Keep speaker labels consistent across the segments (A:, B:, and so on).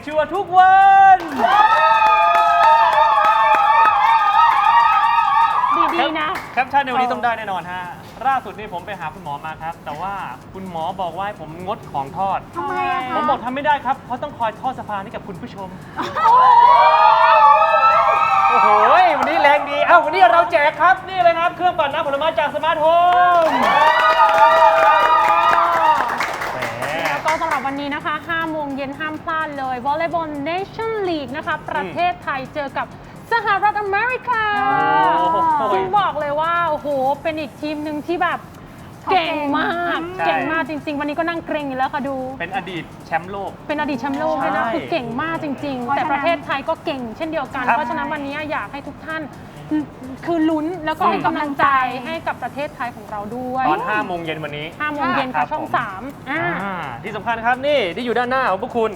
A: ชัวร์ทุกวัน
B: ดีๆนะ
A: แคปชั่นในวันนี้ต้องได้แน่นอนฮะล่าสุดนี่ผมไปหาคุณหมอมาครับ แต่ว่าคุณหมอบอกว่าให้ผมงดของทอด
B: ทำไมอะคะ
A: ผมบอกทำไม่ได้ครับเพราะต้องคอยทอดสะพานให้กับคุณผู้ชม โอ้โหวันนี้แรงดีวันนี้เราแจกครับนี่เลยครับเครื่องปั่นน้ำผลไม้จากสมาร์ทโฮม
B: แล้วก็สำหรับวันนี้นะคะ5 โมงเย็นห้ามพลาดเลยวอลเลย์บอลเนชั่นลีกนะคะประเทศไทยเจอกับสหรัฐอเมริกาซึ่งบอกเลยว่าโอ้โหเป็นอีกทีมหนึ่งที่แบบเก่งมากเก่งมากจริงๆวันนี้ก็นั่งเกรงอยู่แล้วค่ะดู
A: เป็นอดีตแชมป์โลก
B: เป็นอดีตแชมป์โลกเลยนะคือเก่งมากจริงๆแต่ประเทศไทยก็เก่งเช่นเดียวกันเพราะฉะนั้นวันนี้อยากให้ทุกท่านคือลุ้นแล้วก็ให้กำลังใจให้กับประเทศไทยของเราด้วย
A: ตอน5 โมงเย็นวันนี้
B: 5 โมงเย็นค่ะช่อง3
A: ที่สำคัญครับนี่ที่อยู่ด้านหน้าของพวกคุณ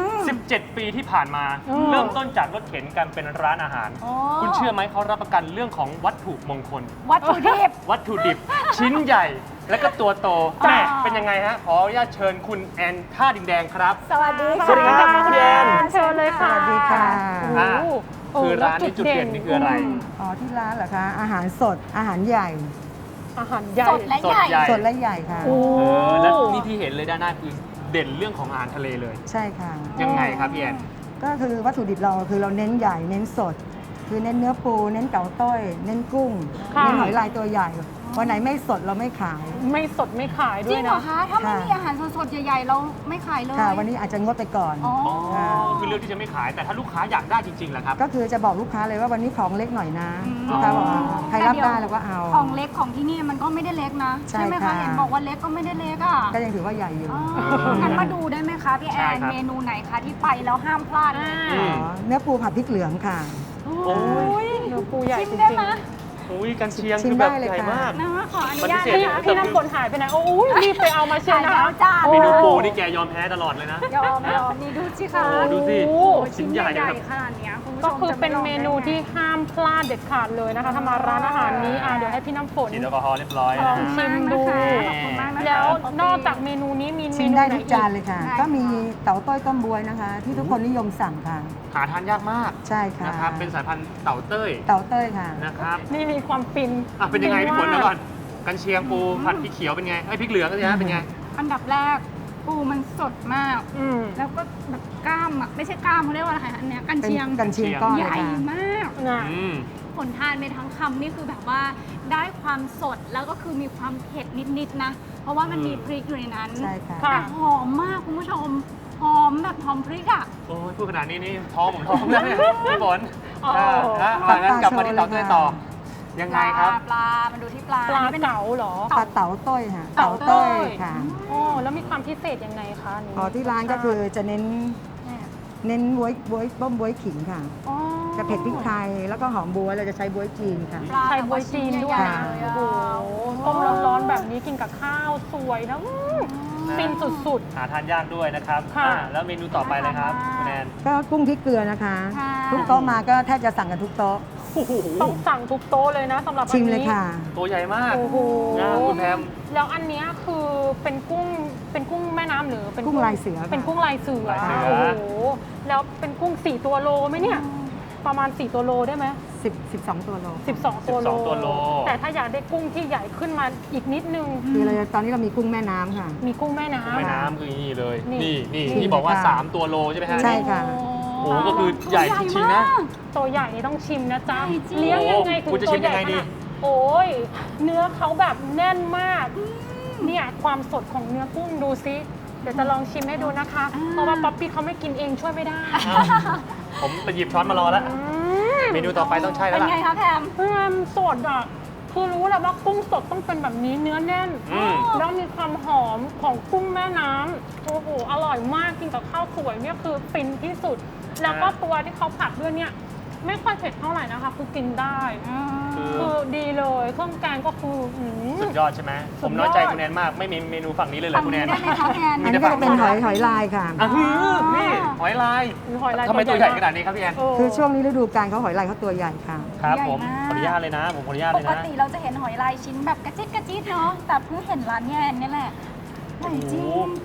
A: 17 ปีที่ผ่านมาเริ่มต้นจากรถเข็นกันเป็นร้านอาหารคุณเชื่อไหมเขารับประกันเรื่องของวัตถุมงคล
B: วัตถุดิบ
A: ชิ้นใหญ่และก็ตัวโตแม่เป็นยังไงฮะขออนุญาตเชิญคุณแอนท่าดินแดงครับ
B: สวัสดีค่ะ
A: สวัสดีครับคุณแอน
B: เชิญเลยค่ะ
C: สวัสดีค่ะ
A: คือร้านนี้จุดเด่นนี่คืออะไร
C: ที่ร้านเหรอคะอาหารสดอาหารใหญ่
B: สดและใหญ่
C: สดและใหญ่ค่ะ
A: แล้วนี่ที่เห็นเลยด้านหน้าคือเด่นเรื่องของอาหารทะเลเลย
C: ใช่ค่ะ
A: ยังไงครับพี่แอน
C: ก็คือวัตถุดิบเราคือเราเน้นใหญ่เน้นสดคือเน้นเนื้อปูเน้นเก๋าต้อยเน้นกุ้งเน้นหอยลายตัวใหญ่วันไหนไม่สดเราไม่ขาย
B: ไม่สดไม่ขายด้วยนะ
D: จริงเหรอคะถ้าไม่มีอาหารสดๆใหญ่ๆเราไม่ขายเลย
C: ค่ะวันนี้อาจจะงดไปก่อน
A: คือเรื่องที่จะไม่ขายแต่ถ้าลูกค้าอยากได้จริงๆแหละครับ
C: ก็คือจะบอกลูกค้าเลยว่าวันนี้ของเล็กหน่อยนะลูกค้าบอกใครรับได้เราก็เอา
D: ของเล็กของที่นี่มันก็ไม่ได้เล็กนะใช่ไหมคะเห็นบอกว่าเล็กก็ไม่ได้เล็กอ่ะ
C: ก็ยังถือว่าใหญ่อยู่
D: งั้นมาดูได้ไหมคะพี่แอนเมนูไหนคะที่ไปแล้วห้ามพลาด
C: เนื้อปูผัดพริกเหลืองค่ะ
B: โอ้ยเนื้อปูใหญ่จริง
A: ๆกันเชียงคือแบบใหญ่มาก
D: นะขออนุญาต
B: พี่น้ำฝนหายไปไหนโอ้ยรีบไปเอามาเชียร์นะ
A: เมนูปูนี่แกยอมแพ้ตลอดเลยนะ
D: ยอมนี่ดูสิคะ
A: ดูสิชิ้นใหญ่
D: ขนาดนี้คุณผู้ชม
B: ก็คือเป็นเมนูที่ห้ามพลาดเด็ดขาดเลยนะคะถ้ามาร้านอาหารนี้เดี๋ยวให้พี่น้ำฝน
A: ฉีดแอลกอฮอล์เรียบร้อย
B: ลองชิมดูแล้วนอกจากเมนูนี้มี
C: ชิมได้ทุกจานเลยค่ะก็มีเต่าต้อยต้มบวยนะคะที่ทุกคนนิยมสั่งค่ะ
A: หาทานยากมาก
C: ใช่ค่ะ
A: นะครับเป็นสายพันธุ์เต่าเต้
C: ยค่ะ
A: นะครับ
B: นี่มีความฟิน
A: เป็นยังไงพี่ฝนแล้วก่อนกันเชียงปูผัดพริกเขียวเป็นไงพริกเหลืองก็เป็นไง
D: อันดับแรกปูมันสดมากแล้วก็แบบกล้ามไม่ใช่กล้ามเขาเรียกว่าอะไรอันเนี้ยกันเชียง
C: ก้อน
D: ใหญ่มากผลทานไปทั้งคำนี่คือแบบว่าได้ความสดแล้วก็คือมีความเผ็ดนิดๆนะเพราะว่ามันมีพริกอยู่ในนั้น
C: ใช่ค่ะ
D: แต่หอมมากคุณผู้ชมหอมแบบหอมพริกอ่ะ
A: โอ้ยพูดขนาดนี้นี่ท้องผมท้องแล้วเนี่ยพี่ฝนงั้นกลับมาที่เต่าเต้ยต่อยังไงครับ
D: ปลามันดูที่ปลา
B: เก๋าเหรอ
C: ปลาเต่าต้ยค่ะเต่าต้ยค่ะ
B: แล้วมีความพิเศษยังไงคะ
C: ที่ร้านก็คือจะเน้นบ๊วยต้มบ๊วยขิงค่ะจะเผ็ดพริกไทยแล้วก็หอมบ๊วยเราจะใช้บ๊วยจีนค่ะ
B: ใช้บ๊วยจีนด้วยโอ้โหต้มร้อนๆแบบนี้กินกับข้าวสวยนะฟินสุด
A: ๆหาทานยากด้วยนะครับแล้วเมนูต่อไปเลยครับคุณแนน
C: ก็กุ้งพริกเกลือนะคะทุกโต๊ะมาก็แทบจะสั่งกันทุกโต๊ะ
B: ต้องสั่งทุกโต๊ะเลยนะสำหรับ
C: ชิมเลยค่ะ
A: ตัวใหญ่มาก
B: โอ้โห
A: คุณแพม
B: แล้วอันนี้คือเป็นกุ้งแม่น้ำหรือ
C: เป็นกุ้งลายเสือ
B: เป็นกุ้งลายเสือโอ้โหแล้วเป็นกุ้ง4 ตัวโลไหมเนี่ยประมาณ4 ตัวโลได้ไหม
C: 12 ตัวโล
B: 12 ตัวโลแต่ถ้าอยากได้กุ้งที่ใหญ่ขึ้นมาอีกนิดนึง
C: คือเราตอนนี้เรามีกุ้งแม่น้ำค่ะ
B: มีกุ้งแม่น้
A: ำคือนี่เลยนี่บอกว่า3 ตัวโลใช่ไหมฮะ
C: ใช่ค่ะ
A: โอ้ก็คือใหญ่จริงๆนะ
B: ตัวใหญ่นี่ต้องชิมนะจ๊ะเลี้ยงยังไงถึงตัวใหญ่โอ้ยเนื้อเขาแบบแน่นมากเนี่ยความสดของเนื้อกุ้งดูซิเดี๋ยวจะลองชิมให้ดูนะคะเพราะว่าป๊อปปี้เขาไม่กินเองช่วยไม่ได้
A: ผมไปหยิบช้อนมารอแล้วเมนูต่อไปต้องใช่แล้วล่ะ
D: เป็นไงคะแพ
B: มสดอ่ะคือรู้แล้วว่ากุ้งสดต้องเป็นแบบนี้เนื้อแน่นแล้วมีความหอมของกุ้งแม่น้ำโอ้โหอร่อยมากกินกับข้าวสวยเนี่ยคือฟินที่สุดแล้วก็ตัวที่เขาผัดด้วยเนี่ยไม่ค่อยเผ็ดเท่าไหร่นะคะคือกินได้คือดีเลยเครื่องแกงก็คือ
A: สุดยอดใช่ไหมผมน้อยใจคุณแนนมากไม่มีเมนูฝั่งนี้เลยเหรอคุณแนน
C: อันนี้ก็จะเป็นหอยลายค่ะ
A: นี่หอยลายทำไมตัวใหญ่ขนาดนี้ครับพี่แอน
C: คือช่วงนี้ฤดูกาลเขาหอยลายเขาตัวใหญ่ค่ะ
A: ครับผมขออนุญาตเลยนะผมขออนุญาตเลยนะ
D: ปกติเราจะเห็นหอยลายชิ้นแบบกระจิ๊ดเนาะแต่เพิ่งเห็นร้านแนนนี่แหละใหญ่จริง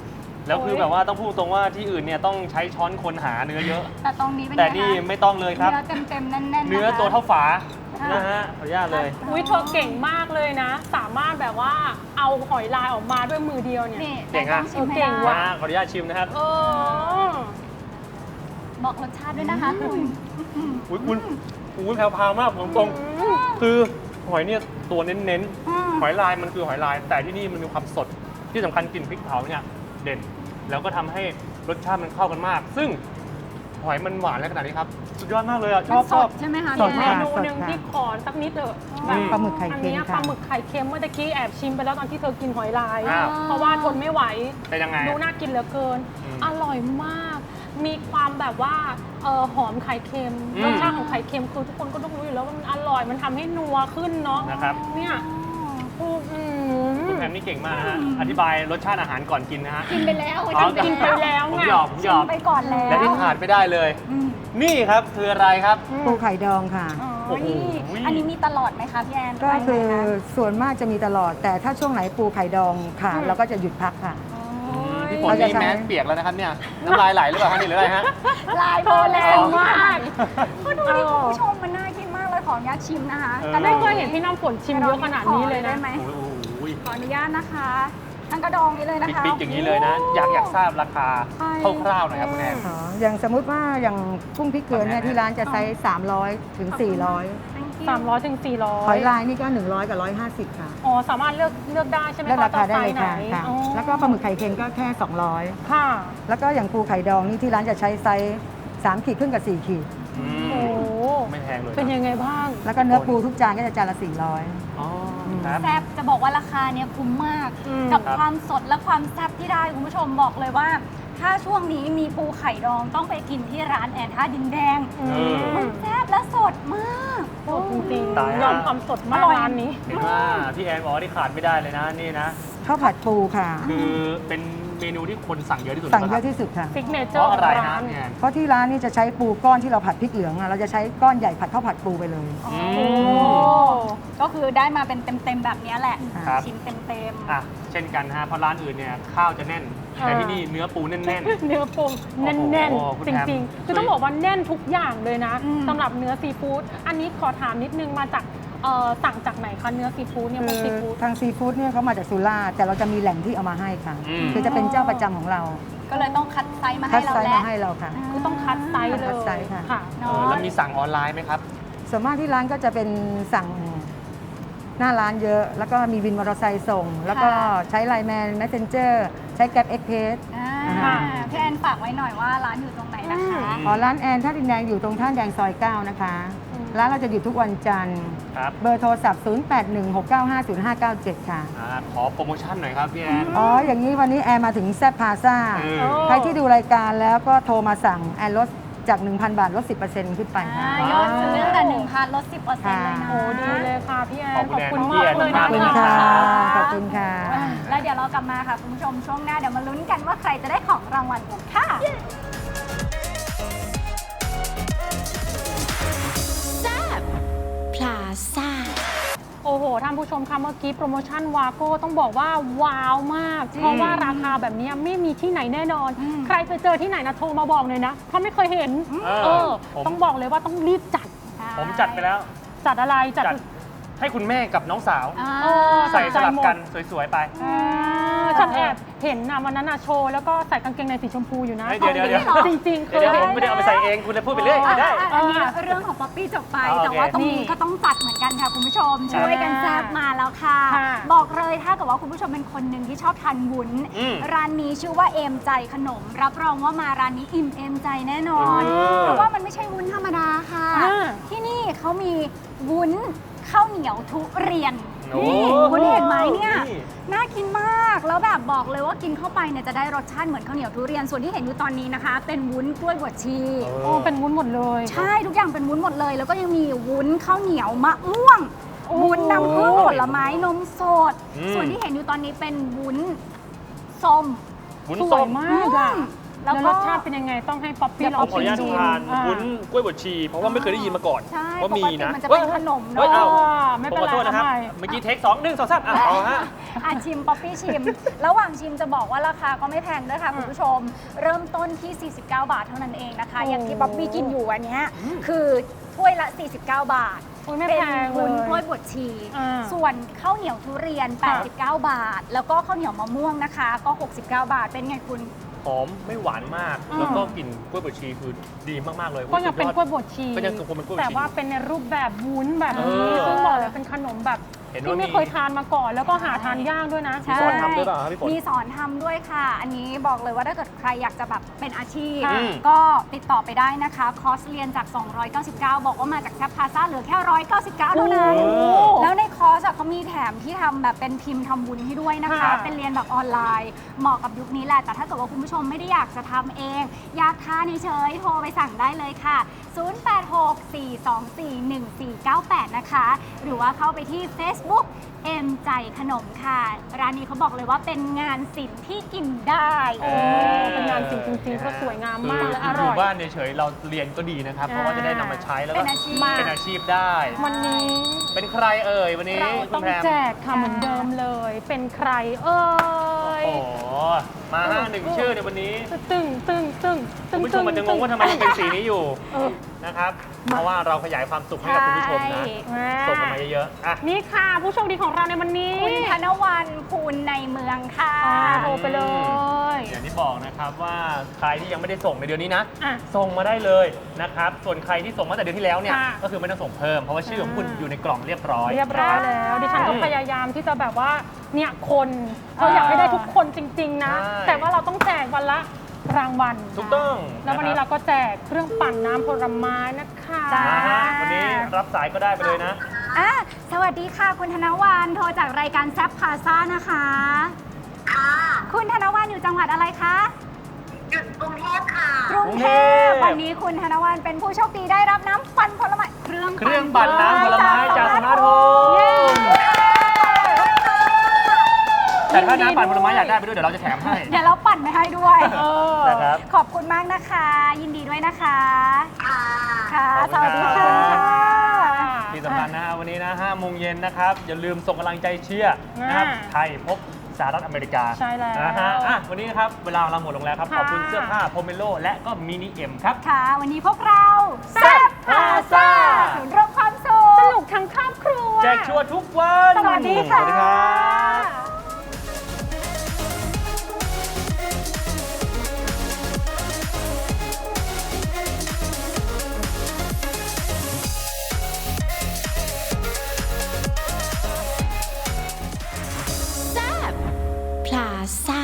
A: แล้วคือแบบว่าต้องพูดตรงว่าที่อื่นเนี่ยต้องใช้ช้อนคนหาเนื้อเยอะ
D: แต่ตรงนี้เป็น
A: แต่
D: ไง
A: นี่
D: คะ
A: ไม่ต้องเลยครับ
D: เนื้อเต็มๆแน่นๆนะคะ
A: เนื้อตัวเท่าฝานะฮะขออนุญาตเลย
B: อุ้ยเธอเก่งมากเลยนะ สามารถแบบว่าเอาหอยลายออกมาด้วยมือเดียวเนี่ย
D: นี่
A: เก่งอะ
D: ต้องชิมให้
B: เก่ง
D: ได้
B: ว่ะ
A: ขออนุญาตชิมนะครับ
B: เออ
D: บอกรสชาติด้วยนะคะคุณ
A: อุ้ยคุณอุ้ยแพรวๆมากผมตรงๆคือหอยเนี่ยตัวเน้น
D: อืม
A: ๆหอยลายมันคือหอยลาย แต่ที่นี่มันมีความสดที่สำคัญกลิ่นพริกเผาเนี่ยเด่น แล้วก็ทำให้รสชาติมันเข้ากันมาก ซึ่งหอยมันหวานและขนาดนี้ครับสุดยอดมากเลยอ่ะช
D: มัน
A: อบ
D: ส
A: ชอ
D: ด
A: บ
D: ใช่ไหมคะ
C: สด
B: เม
C: ค่ะ
B: นูหนึ่งที่ขอสักนิดเถอะ
A: อืม
C: ปลาหมึกไข่
B: อัน
C: เค็ม
B: เนี้ยป
C: ค่ะ
B: ลาหมึกไข่เค็มเมื่อตะกี้แอบชิมไปแล้วตอนที่เธอกินหอยลาย
A: อ้าว
B: เพราะว่าทนไม่ไหว
A: เป็นยังไง
B: ดู
A: อะ
B: น่ากินเหลือเกิน
A: อืม
B: อร่อยมาก มีความแบบว่าหอมไข่เค็ม
A: อืม
B: รสชาติของไข่เค็มคือทุกคนก็ต้องรู้อยู่แล้วว่ามันอร่อย มันทำให้นัวขึ้นเนาะ
A: นะครับ
B: เนี่ยอืม
A: คุณแพมนี่เก่งมากนะฮะอธิบายรสชาติอาหารก่อนกินนะฮะ
D: กินไปแล้ว
A: อ๋อ
B: กินไปแล้ว
A: ผม
B: ไง
A: หยอกผมหยอก
D: ไปก่อนแล้ว
A: และที่ขาดไม่ได้เลย
D: อืม
A: นี่ครับคืออะไรครับ
C: ปูไข่ดองค่ะ
D: อ๋อ
A: โอ้โห
D: นี่อันนี้มีตลอดไหมคะพี่แอน
C: ก็คือ
D: ไปไหมะ
C: ส่วนมากจะมีตลอด แต่ถ้าช่วงไหนปูไข่ดองค่ะ เราก็จะหยุดพักค่ะ
D: โอ้ย
A: พี่ฝน
C: เราจะ
A: นี่
C: ใช้
A: แมสเปียกแล้วนะครับเนี่ยน้ำลายไหลหรือเปล่าครับนี่หรืออะไรฮะ
D: ลายโบแรงมาก
A: อ๋อ
D: ก็ดูดิคุณผู้ชมมันน่ากินมากเลยขออนุญาตชิมนะคะ
A: เออ
B: แต่ไม่เคยเห็นพี่น้ำฝนชิมเยอะขนาดนี้เลย
D: ได้
B: นะ
D: ไหม
A: โอ้โห
D: ขออนุญาตนะคะทั้งกระดองนี้เลยนะคะ
A: ปิ๊กๆอย่างนี้เลยนะ อยากทราบราคา
D: ใช่
A: คร่าวๆหน่อยครับคุณแอน
C: อ๋ออย่างสมมุติว่าอย่างกุ้งพริกเกลือเนี่ยที่ร้านจะไซส์300 ถึง 400
D: Thank you
B: 300ถึง400
C: หอยลายนี่ก็ 100 กับ 150 ค่ะ
B: อ๋อสามารถเลือกได้ใช่ไหม
C: แล้วราคาได้เลย
B: ไหน
C: ค่ะค่ะ
B: อ๋อ
C: แล้วก็ปลาหมึกไข่เค็มก็แค่
B: ค่ะ
C: 200 แล้วก็อย่างปูไข่ดองนี่ที่ร้านจะใช้ไซส์3ขีดครึ่งกับ 4 ขีด
A: อื
B: โอ้
A: มไม่แพงเลย
B: เป็นยังไงบ้าง
C: แล้วก็เนื้อปูทุกจานก็จะจานละ
A: อ๋อครับ
D: แซ่บจะบอกว่าราคาเนี่ยคุ้มมาก
B: อืม
D: กับ
A: ครับ
D: ความสดและความแซ่บที่ได้คุณผู้ชมบอกเลยว่า ถ้าช่วงนี้มีปูไข่ดองต้องไปกินที่ร้านแอนท่าดินแดง
B: อื
A: เออ
D: มันแซ่บและสดมาก
B: สดจริง
A: ตาย
B: ๆ
A: แล้ว
B: ยอมความสดมาก
D: อร่อย
B: ร้านนี้
A: เห็นว่าพี่แอนบอกว่าที่ขาดไม่ได้เลยนะนี่นะ
C: 100ข้าวผัดปูค่ะ
A: คือเป็นเมนูที่คนสั่งเยอะที่สุด
C: สั่งเยอะ
A: น
C: ที่สุดค่ะ
B: ซิกเนเจ
A: เพ
B: อร์
A: ราะอะไร
B: ของ
A: นะ
B: ร้าน
A: พี่แอน
C: เพราะที่ร้านนี่จะใช้ปูก้อนที่เราผัดพริกเหลืองอะเราจะใช้ก้อนใหญ่ผัดข้าวผัดปูไปเลย
D: โอ้
A: อืม
D: ก็คือได้มาเป็นเต็มๆแบบนี้แหละ
A: ครับ
D: ชิ้นเต็ม
A: อ่ะเช่นกันฮะเพราะร้านอื่นเนี่ยข้าวจะแน่น แต่ที่นี่เนื้อปูแน่น
B: เนื้อปูแน่น
A: โอ้โหคุณ
B: ๆ จ
A: แอม
B: ริงๆ คือต้องบอกว่าแน่นทุกอย่างเลยนะ
D: อืม
B: สำหรับเนื้อซีฟู้ดอันนี้ขอถามนิดนึงมาจากสั่งจากไหนคะเนื้อซีฟู้ดเนี่ยพวกซีฟู้ด
C: ทางซีฟู้ดเนี่ยเขามาจากสุราษฎร์แต่เราจะมีแหล่งที่เอามาให้ค่ะ คือจะเป็นเจ้าประจำของเรา
D: ๆ ก็เลยต้องคัดไซส์มา
C: คั
D: ให้
C: ด
D: เรา
C: ไซส์
D: แล้
C: มาว ให้เราค่ะ
B: คือต้องคัดไซส์เล
C: คั
B: ย
C: ดไซส์ค่ะ
B: ค่ะ
A: ๆเออแล้วมีสั่งออนไลน์ไหมครับ
C: ส่วนมากที่ร้านก็จะเป็นสั่งหน้าร้านเยอะ แล้วก็มีวินมอเตอร์ไซค์ส่ง แล้วก็ใช้ไลน์แมน Messenger ใช้แกร็บเอ็กเพส
B: ค่ะ
D: พี่แอนฝากไว้หน่อยว่าร้านอยู่ตรงไหนนะคะ
A: อืม
C: อ๋อร้านแอนท่าดินแดงอยู่ตรงท่าแดงซอย 9 นะคะ
B: อืม
C: ร้านเราจะอยู่ทุกวันจันทร์
A: ครับ
C: เบอร์โทรศัพท์ 0816950597 ค่ะ
A: ขอโปรโมชั่นหน่อยครับพี่แอน
C: อ๋อ อย่างนี้วันนี้แอนมาถึงแซบพาซ่า
A: เออ
B: โอ้
C: ใครที่ดูรายการแล้วก็โทรมาสั่งแอนลดจาก 1,000 บาทลด 10%ขึ้นไปค่ะ
D: ยอดซื้อตั้งแต่1,000ลด 10%เลยนะ
B: โอ้ดีเลยค่ะพี่แอน
A: ขอบคุณ
B: ขอบคุณ
A: แอน
B: มากเลย
A: ข
B: นะ
A: อบคุณ
C: ขอบคุณค่ะ
B: ะ
C: ขอบคุณค่ะ
D: แล้วเดี๋ยวเรากลับมาค่ะ คุณผู้ชมช่วงหน้าเดี๋ยวมาลุ้นกันว่าใครจะได้ของรางวัลกันค่ะ
E: พลาซ่า
B: โอ้โหท่านผู้ชมคะเมื่อกี้โปรโมชั่นวาโก้ต้องบอกว่าว้าวมาก
D: จริง
B: เพราะว่าราคาแบบนี้ไม่มีที่ไหนแน่นอน
D: อืม
B: ใครไปเจอที่ไหนนะโทรมาบอกเลยนะเพราะไม่เคยเห็น
A: ผม
B: ต้องบอกเลยว่าต้องรีบจัด
A: ผมจัดไปแล้ว
B: จัดอะไรจัด
A: จัดให้คุณแม่กับน้องสาว
D: อ่า
B: เออ
A: ใส่สลับ
B: หมด
A: กันสวยๆไป
B: ฉันแอบเห็นนะวันนั้นนะโชว์แล้วก็ใส่กางเกงในสีชมพูอยู่นะ
A: เฮ้ยเดี๋ยว
B: จริงๆเค
A: เดี๋ย
B: ยว
A: ผมไม่ได้เอาไปใส่เองคุณเลยพูดไปเรื่อยไม่ได้
D: อันนี้เรื่องของป๊อปปี้จบไป
A: อ๋อโอเค
D: แต่ว่าตรงนี้ก็ต้องจัดเหมือนกันค่ะคุณผู้ชม ช่วยกันแซ่บมาแล้วค่ะ
B: ค่ะ
D: บอกเลยถ้าเกิดว่าคุณผู้ชมเป็นคนหนึ่งที่ชอบทานวุ้น
A: อืม
D: ร้านนี้ชื่อว่าเอมใจขนม รับรองว่ามาร้านนี้อิ่มเอมใจแน่นอน
A: เออ
D: เพราะว่ามันไม่ใช่วุ้นธรรมดาค่ะ
B: อ่า
D: ที่นี่เขามีวุ้นข้าวเหนียวทุเรียน
A: โอ้
D: นี่คุณเห็นไหมเนี่ย
A: นี่
D: น่ากินมาก แล้วแบบบอกเลยว่ากินเข้าไปเนี่ยจะได้รสชาติเหมือนข้าวเหนียวทุเรียน ส่วนที่เห็นอยู่ตอนนี้นะคะ เป็นวุ้นกล้วยบวชชี
B: โอ้เป็นวุ้นหมดเลย
D: ใช่ทุกอย่างเป็นวุ้นหมดเลย แล้วก็ยังมีวุ้นข้าวเหนียวมะม่วง
B: โอ้
D: วุ้นน้ำผึ้งผลไม้นมสด
A: อืม
D: ส่วนที่เห็นอยู่ตอนนี้เป็นวุ้นส้ม
A: วุ้น
B: สว
A: ส้
B: ย
A: ม
B: มากอะ
D: อืม
B: แล้วรสชาติเป็นยังไงต้องให้ป๊อปปี้ล
A: ผ
B: อ
A: ม
B: ง
A: ขออนุญาต
B: ชิมดู
A: ทานวุ้นกล้วยบดชี เพราะว่าไม่เคยได้ยินมาก่อน
D: ใช่
A: ว่า
D: ป
A: มี
D: กติ
A: นะ
D: มันจะเป็นขนม
A: เฮ้ย
D: เนาะ
A: เอา
B: ไม่
A: ผม
B: เป็น
A: ขอ
B: ไร
A: โทษนะครับ
B: ทำไม
A: เมื่อกี้เทค2 1 2 3เอาฮะ
D: ชิมป๊อปปี้ชิม ระหว่างชิมจะบอกว่าราคาก็ไม่แพงด้วยค่ะคุณผู้ชม เริ่มต้นที่ 49 บาทเท่านั้นเองนะคะ อย่างที่ป๊อปปี้กินอยู่อันเนี้ยคือถ้วยละ 49 บาท
B: อุ๊ยไม่
D: เป็น
B: แพงเลย
D: วุ้นกล้วยบดชี ส่วนข้าวเหนียวทุเรียน 89 บาท แล้วก็ข้าวเหนียวมะม่วงนะคะ ก็ 69 บาท เป็นไงคุณ
A: หอมไม่หวานมาก แล้วก็กลิ่นกล้วยบดชีคือดีมากๆเลย
B: ก็ยังเป็นกล้วยบดชี
A: ก็ยังคงเป็นกล้วยบดชี
B: แต่ว่าเป็นในรูปแบบวุ้นแบบนี้
A: เออ
B: ซึ่งบอกเลยเป็นขนมแบบ
A: เห็น
B: ที่
A: ว่า
B: ไม่
A: มี
B: เคยทานมาก่อน แล้วก็หาทานยากด้วยนะ
A: มีสอนทำด้วยเปล่าครับพี่ฝน
D: มีสอนทำด้วยค่ะ อันนี้บอกเลยว่าถ้าเกิดใครอยากจะแบบเป็นอาชีพ
B: ค่ะ
D: ก็ติดต่อไปได้นะคะ คอร์สเรียนจาก 299 บอกว่ามาจากแซปพาซ่าเหลือแค่ 199 เท่านั้น
A: โอ้
D: แล้วในคอร์สอะเขามีแถมที่ทำแบบเป็นพิมพ์ทำบุญให้ด้วยนะคะ
B: ค่ะ
D: เป็นเรียนแบบออนไลน์ เหมาะกับยุคนี้แหละ แต่ถ้าเกิดว่าคุณผู้ชมไม่ได้อยากจะทำเอง อยากทานเฉยๆโทรไปสั่งได้เลยค่ะ 0864241498 นะคะ หรือว่าเข้าไปที่ Facebook เอ็มใจขนมค่ะ ร้านนี้เขาบอกเลยว่าเป็นงานศิลป์ที่กินได้
B: โอ้เป็นงานจริงๆเพราะสวยงามมากและอ
A: อ
B: ร่
A: ยู่
B: อย
A: บ้านเฉยๆเราเรียนก็ดีนะครับ เพราะว่าจะได้นำมาใช้แล้วก็
D: เป็นอาชีพ
A: เป็นอาชีพได้
B: วันนี้
A: เป็นใครเอ่ยวันนี้
B: เรา
A: คุ
B: ต้อ
A: ณ
B: ง
A: แพม
B: แจกค่ะเหมือนเดิมเลย เป็นใครเอ่ย
A: โอ้โหมา1 ชื่อในวันนี้
B: ตึ้งตึ้งตึ้งตึ้
A: คุ
B: ง
A: ณผู้ชมมันจะงงว่าทำไมมันเป็นสีนี้อยู่
B: เออ
A: นะครับ เพราะว่าเราขยายความสุขให้กับคุณผู้ชมนะ ส่งกันมาเยอะๆอ่ะ
B: นี่ค่ะผู้โชคดีของเราในวันนี้
D: คุณธนวันภูลในเมืองค่ะ
B: โทรไปเลย
A: อย่างที่บอกนะครับว่าใครที่ยังไม่ได้ส่งในเดือนนี้นะ
B: อ่ะ
A: ส่งมาได้เลยนะครับ ส่วนใครที่ส่งมาแต่เดือนที่แล้วเนี่ย
B: ค่ะ
A: ก็คือไม่ต้องส่งเพิ่ม เพราะว่าชื่อของคุณอยู่ในกล่องเรียบร้อย
B: เรียบร้อยแล้ว ดิฉันก็
A: อืม
B: พยายามที่จะแบบว่าเนี่ยคนเราอยากให้ได้ทุกคนจริง ๆ นะ
A: ใช่
B: แต่ว่าเราต้องแจกวันละรางวัล
A: ถูกต้อง
B: แล้ววันนี้
A: ะค
B: เรา
A: บ
B: ก็แจกเครื่องปั่นน้ำผลไม้นะคะ
D: จ้า
A: มาฮะวันนี้รับสายก็ได้ไปเลยนะ
D: อ่ะสวัสดีค่ะ คุณธนวันโทรจากรายการแซปพาซ่านะคะ
F: ค่ะ
D: คุณธนวันอยู่จังหวัดอะไรคะ
F: อยู่กรุงเทพค่ะ
D: กรุงเทพ
A: กรุงเทพ
D: วันนี้คุณธนวันเป็นผู้โชคดีได้รับน้ำปั่นผลไม้เครื่อง
A: เครื่องปั่นน้ำผลไม้จากสมาร์ทโฮมแต่ถ้าน้ำปั่นผลไม้อยากได้ไปด้วยเดี๋ยวเราจะแถมให้
D: เดี๋ยวเราปั่นไปให้ด้วย
B: เออ
A: นะครับ
D: ขอบคุณมากนะคะ ยินดีด้วยนะคะ
F: ค่ะ
D: ค่ะ
A: ขอบ
D: ส
A: คุณ
D: วัส
A: ครั
D: ดี
A: บ
D: ค่ะ
A: ที่สำคัญนะฮะวันนี้นะ5 โมงเย็นนะครับ อย่าลืมส่งกำลังใจเชียร์นะครับ ไทยพบสหรัฐอเมริกา
B: ใช่แล้ว
A: นะฮะอ่ะวันนี้นะครับ เวลาเราหมดลงแล้วครับ
B: ค่ะ
A: ขอบคุณเสื้อผ้าโพเมโลและก็มินิเอ็มครับ
D: ค่ะ วันนี้พวกเราแซปพาซ่าศูนย์รวมความสุ
B: ส
D: ข
B: นุกทั้งครอบครัว
A: แจกชัวร์ทุกวัน
D: สวัสดีค่ะ
A: สวัสดีครับ
E: พลาซ่า